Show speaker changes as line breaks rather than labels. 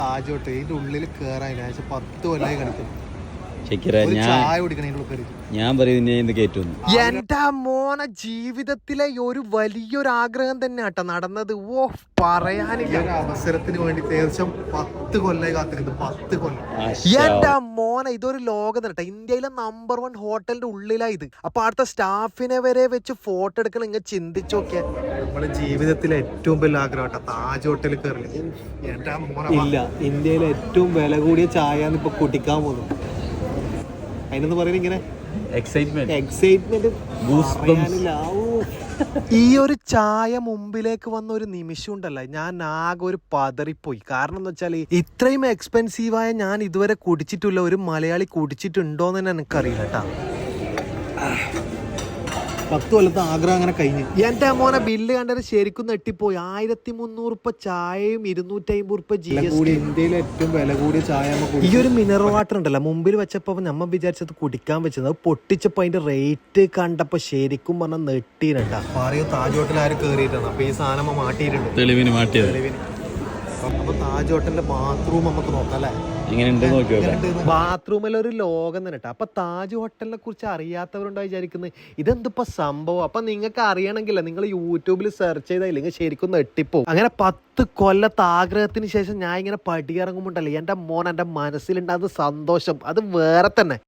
ആജോട്ടെ ഇതിന്റെ ഉള്ളിൽ കേറാൻ 10 കൊല്ലായി കളിക്കും.
ചായ കുടിക്കണ ഞാൻ പറയുന്നത് കേറ്റുന്നു.
എന്റെ മോനെ ജീവിതത്തിലെ ഒരു വലിയൊരു ആഗ്രഹം തന്നെ ആട്ടോ നടന്നത്. ഓ പറയാനില്ല. അവസരത്തിന് വേണ്ടി തീർച്ചയായും 10 കൊല്ലായി കാത്തിരുന്നു. 10 കൊല്ലം. എന്റെ മോനെ ഇതൊരു ലോകം തന്നെ. ഇന്ത്യയിലെ നമ്പർ 1 ഹോട്ടലിന്റെ ഉള്ളിലാ ഇത്. അപ്പൊ അടുത്ത സ്റ്റാഫിനെ വരെ വെച്ച് ഫോട്ടോ എടുക്കണം. ഇങ്ങനെ ചിന്തിച്ചു നോക്കിയാ നമ്മുടെ ജീവിതത്തിലെ ഏറ്റവും വലിയ ആഗ്രഹം താജ് ഹോട്ടലിൽ കയറില്ല. എന്റെ മോനെ ഇല്ല, ഇന്ത്യയിലെ ഏറ്റവും വില കൂടിയ ചായ ഇപ്പൊ കുടിക്കാൻ പോകുന്നു. അതിനെന്ന് പറയുന്നത് ഇങ്ങനെ എക്സൈറ്റ്മെന്റ് ഈ ഒരു ചായ മുമ്പിലേക്ക് വന്ന ഒരു നിമിഷം ഉണ്ടല്ലോ, ഞാൻ ആകെ ഒരു പതറിപ്പോയി. കാരണം എന്ന് വെച്ചാൽ ഇത്രയും എക്സ്പെൻസീവായ ഞാൻ ഇതുവരെ കുടിച്ചിട്ടില്ല. ഒരു മലയാളി കുടിച്ചിട്ടുണ്ടോന്ന് തന്നെ എനിക്കറിയില്ല കേട്ടാ. 10 കൊല്ലത്തെ ആഗ്രഹം അങ്ങനെ കഴിഞ്ഞു. എന്റെ മോനെ ബില്ല് കണ്ടത് ശരിക്കും നെട്ടിപ്പോയി. 1300 ചായയും 250 GST. ഇന്ത്യയിലെ ഏറ്റവും വില കൂടിയ ചായ. ഈ ഒരു മിനറൽ വാട്ടർ ഉണ്ടല്ലോ മുമ്പിൽ വെച്ചപ്പോ നമ്മ വിചാരിച്ചത് കുടിക്കാൻ വെച്ചത്, അത് പൊട്ടിച്ചപ്പോ അതിന്റെ റേറ്റ് കണ്ടപ്പോ ശരിക്കും പറഞ്ഞാൽ നെട്ടീരണ്ട. പറയൂ താജ് ഹോട്ടൽ ആരും കേറിയിട്ടാണ്. അപ്പൊ ഈ സാധനം മാറ്റിയിട്ടുണ്ട്, തെളിവിന് മാറ്റിയത്. അപ്പൊ താജ് ഹോട്ടലിന്റെ ബാത്റൂം നമുക്ക് നോക്കാം അല്ലെ. ബാത്റൂമിൽ ഒരു ലോകം തന്നെ. അപ്പൊ താജ് ഹോട്ടലിനെ കുറിച്ച് അറിയാത്തവരുണ്ടോ വിചാരിക്കുന്നത് ഇതെന്തിപ്പോ സംഭവം. അപ്പൊ നിങ്ങൾക്ക് അറിയണമെങ്കിലേ നിങ്ങൾ യൂട്യൂബിൽ സെർച്ച് ചെയ്തില്ലെങ്കിൽ ശരിക്കും നെട്ടിപ്പോ. അങ്ങനെ 10 കൊല്ലത്തെ ആഗ്രഹത്തിന് ശേഷം ഞാൻ ഇങ്ങനെ പടിയിറങ്ങുമ്പോണ്ടല്ലേ എന്റെ മോൻ എന്റെ മനസ്സിലുണ്ടാകുന്ന സന്തോഷം അത് വേറെ തന്നെ.